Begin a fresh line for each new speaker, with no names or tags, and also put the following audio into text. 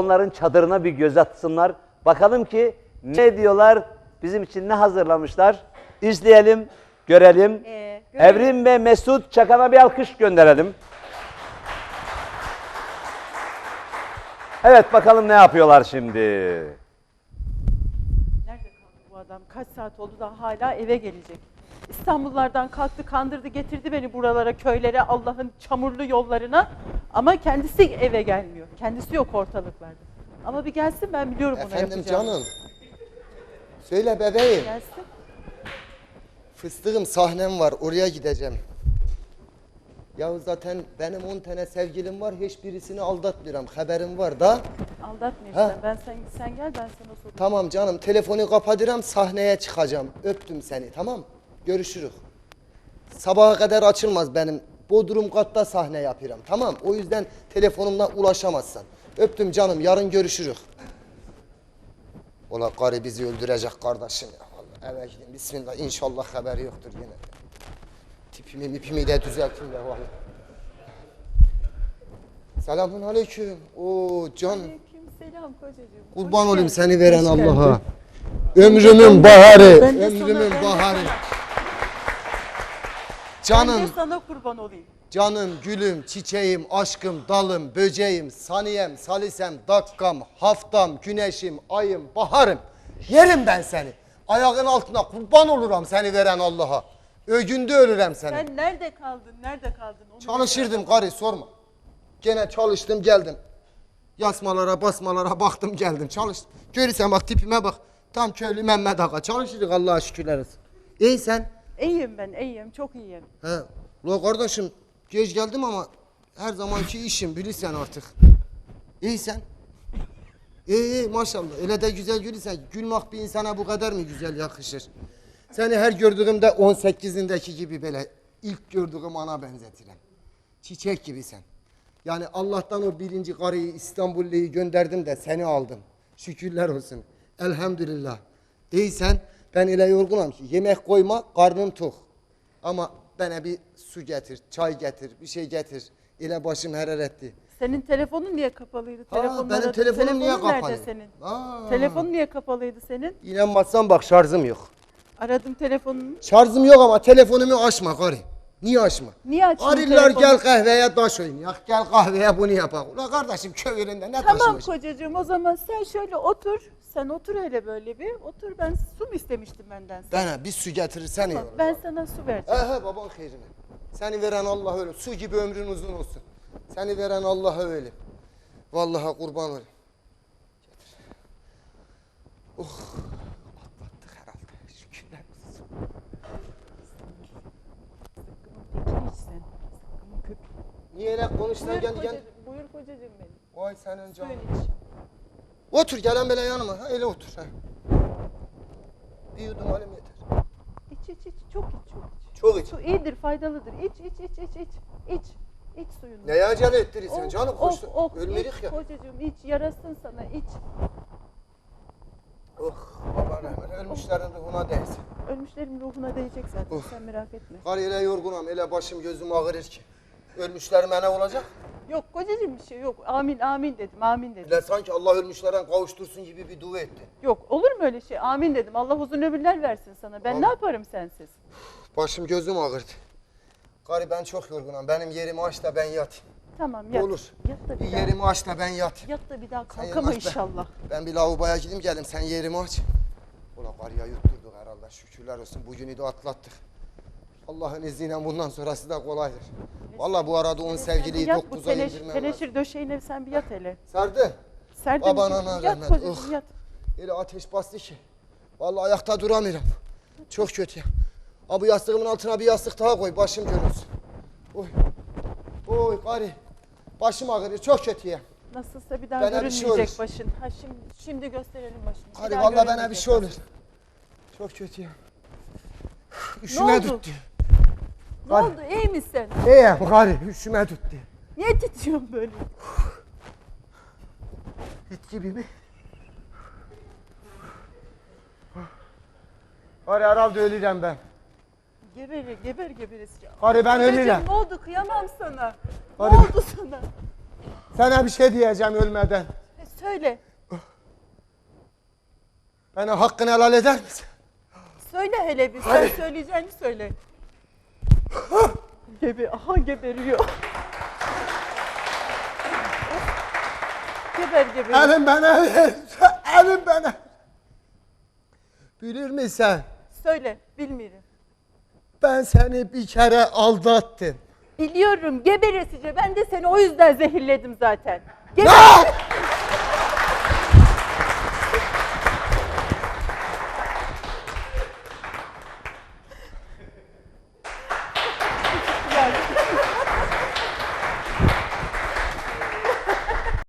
onların çadırına bir göz atsınlar. Bakalım ki ne diyorlar, bizim için ne hazırlamışlar. İzleyelim, görelim. Evrim ve Mesut Çakan'a bir alkış gönderelim. Evet, bakalım ne yapıyorlar şimdi.
Nerede kaldı bu adam? Kaç saat oldu da hala eve gelecek. İstanbullardan kalktı, kandırdı, getirdi beni buralara, köylere, Allah'ın çamurlu yollarına. Ama kendisi eve gelmiyor. Kendisi yok ortalıklarda. Ama bir gelsin, ben biliyorum onu yapacağım.
Efendim canım. Söyle bebeğim.
Gelsin.
Fıstığım, sahnem var, oraya gideceğim. Ya zaten benim 10 tane sevgilim var, hiçbirisini aldatmıyorum. Haberim var da.
Aldatmıyorsun. Sen gel, ben sana sorayım.
Tamam canım, telefonu kapatıram, sahneye çıkacağım. Öptüm seni, tamam? Görüşürüz. Sabaha kadar açılmaz benim. Bodrum katta sahne yapıyorum, tamam? O yüzden telefonumla ulaşamazsan. Öptüm canım, yarın görüşürüz. Ola karı bizi öldürecek kardeşim ya. Vallahi eve gidin, bismillah. İnşallah haberi yoktur yine. Tipimi de düzeltin de vallahi. Selamun aleyküm. Oo can.
Selam kocacığım.
Kurban olayım seni veren Allah'a. Ömrümün baharı. Ömrümün baharı.
Ben de
Canım,
sana kurban olayım.
canım, gülüm, çiçeğim, aşkım, dalım, böceğim, saniyem, salisem, dakikam, haftam, güneşim, ayım, baharım. Yerim ben seni. Ayağın altına kurban olurum seni veren Allah'a. Ögünde ölürüm seni.
Sen nerede kaldın? Nerede kaldın? Onu
Çalışırdım karı, sorma. Gene çalıştım geldim. Yasmalara basmalara baktım geldim çalıştım. Görürsen bak tipime bak. Tam köylü Mehmet Ağa. Çalışırdık Allah'a şükürler olsun. İyi sen?
İyiyim ben, iyiyim. Çok iyiyim.
He. Ula kardeşim geç geldim ama her zamanki işim bilirsen artık. İyi sen? İyi maşallah. Öyle de güzel gülürsen. Gülmek bir insana bu kadar mı güzel yakışır? Seni her gördüğümde 18'indeki gibi böyle ilk gördüğüm ana benzetirim. Çiçek gibi sen. Yani Allah'tan o birinci karıyı İstanbullu'yu gönderdim de seni aldım. Şükürler olsun. Elhamdülillah. İyisen ben öyle yorgunum ki yemek koyma karnım tok. Ama bana bir su getir, çay getir, bir şey getir. İle başım hararetli.
Senin telefonun niye kapalıydı?
Benim telefonum niye kapalı?
Nerede senin? Telefonun niye kapalıydı senin?
İnanmazsan bak şarjım yok.
Aradım telefonunu.
Şarjım yok ama telefonumu açma karı. Niye açma?
Niye açtın
Arılar
telefonu?
gel kahveye taş oynayak, gel kahveye bunu yapak. Ulan kardeşim köy yerinde ne
Tamam
taşımış?
kocacığım, o zaman sen şöyle otur. Sen otur öyle böyle bir. Otur, ben su mu istemiştim benden sana?
Bana bir su getirirsen iyi
Tamam,
olur.
ben sana su vereceğim.
Baban hayrine. Seni veren Allah öyle. Su gibi ömrün uzun olsun. Seni veren Allah öyle. Vallahi kurban olayım. Getir. Atlattık herhalde. Şükürler olsun.
Sıkkımın tekini iç sen. Sıkkımın köpüğü.
Niye öyle konuşsan
Buyur
gel
kocacığım,
gel.
buyur kocacığım benim.
Vay senin canın.
Suyunu iç.
Otur gelen böyle yanıma. Ha, öyle otur. Ha. Bir yudum alayım yeter.
İç, çok iç, çok iç.
Çok iç.
Su iyidir, faydalıdır. İç. İç suyunu.
Neye acele ettirirsen
Oh,
canım
oh,
koştu.
oh,
Ölmedik
iç
ya.
kocacığım, iç, yarasın sana, iç.
Oh baba rahmet ölmüşlerin ruhuna değsin.
Ölmüşlerin ruhuna değecek zaten, sen merak etme.
Kar ile yorgunum, ele başım gözüm ağrır ki. Ölmüşlerim ne olacak?
Yok kocacığım, bir şey yok. Amin, amin dedim, amin dedim.
Bile sanki Allah ölmüşlerden kavuştursun gibi bir dua etti.
Yok, olur mu öyle şey? Amin dedim. Allah uzun ömürler versin sana. Ben
Amin.
ne yaparım sensiz?
Başım gözüm ağrıdı. Karı ben çok yorgunum. Benim yerimi aç da ben yatayım.
Tamam, yat.
Olur.
Yat da
Bir
bir daha.
yerimi aç da ben yatayım.
Yat da bir daha
Sen
kalkama
yatmaz be.
inşallah.
Ben bir lavaboya gideyim gelim. Sen yerimi aç. Ulan karıya yutturduk herhalde. Şükürler olsun. Bugünü de atlattık. Allah'ın izniyle bundan sonrası da kolaydır. Vallahi bu arada 10 sevgiliyi
Yat bu
9'a indirmem lazım.
teneşir döşeğine sen bir yat hele.
Sardı.
Serdim.
Baban ana
Yat
rahmet.
kocacığım, yat.
Öyle ateş bastı ki. Vallahi ayakta duramıyorum. Çok kötü. Abi yastığımın altına bir yastık daha koy. Başım görünsün. Oy. Oy karı. Başım ağrıyor. Çok kötü ya.
Nasılsa bir daha
Bana bir şey
görünmeyecek
olur.
başın. Ha şimdi gösterelim başını. Bir
Karı
daha
vallahi bana
görünmeyecek
bir şey olur.
başın.
Çok kötü ya.
Ne
Üşüme
oldu?
tuttu.
Ne oldu? İyi misin?
İyiyim karı. Üşüme tuttu.
Niye titriyorsun böyle?
Hit gibi mi? Karı herhalde öleceğim ben.
Geber.
Karı ben öleceğim.
Ne oldu? Kıyamam sana.
Hadi.
Ne oldu sana?
Sana bir şey diyeceğim ölmeden.
Söyle.
Bana hakkını helal eder misin?
Söyle hele bir. Sen söyleyeceğini söyle. Aha geberiyor. Geber.
Elim bana ver. Elim bana. Bilir misin?
Söyle. Bilmiyorum.
Ben seni bir kere aldattım.
Biliyorum geberesice. Ben de seni o yüzden zehirledim zaten.
Ne?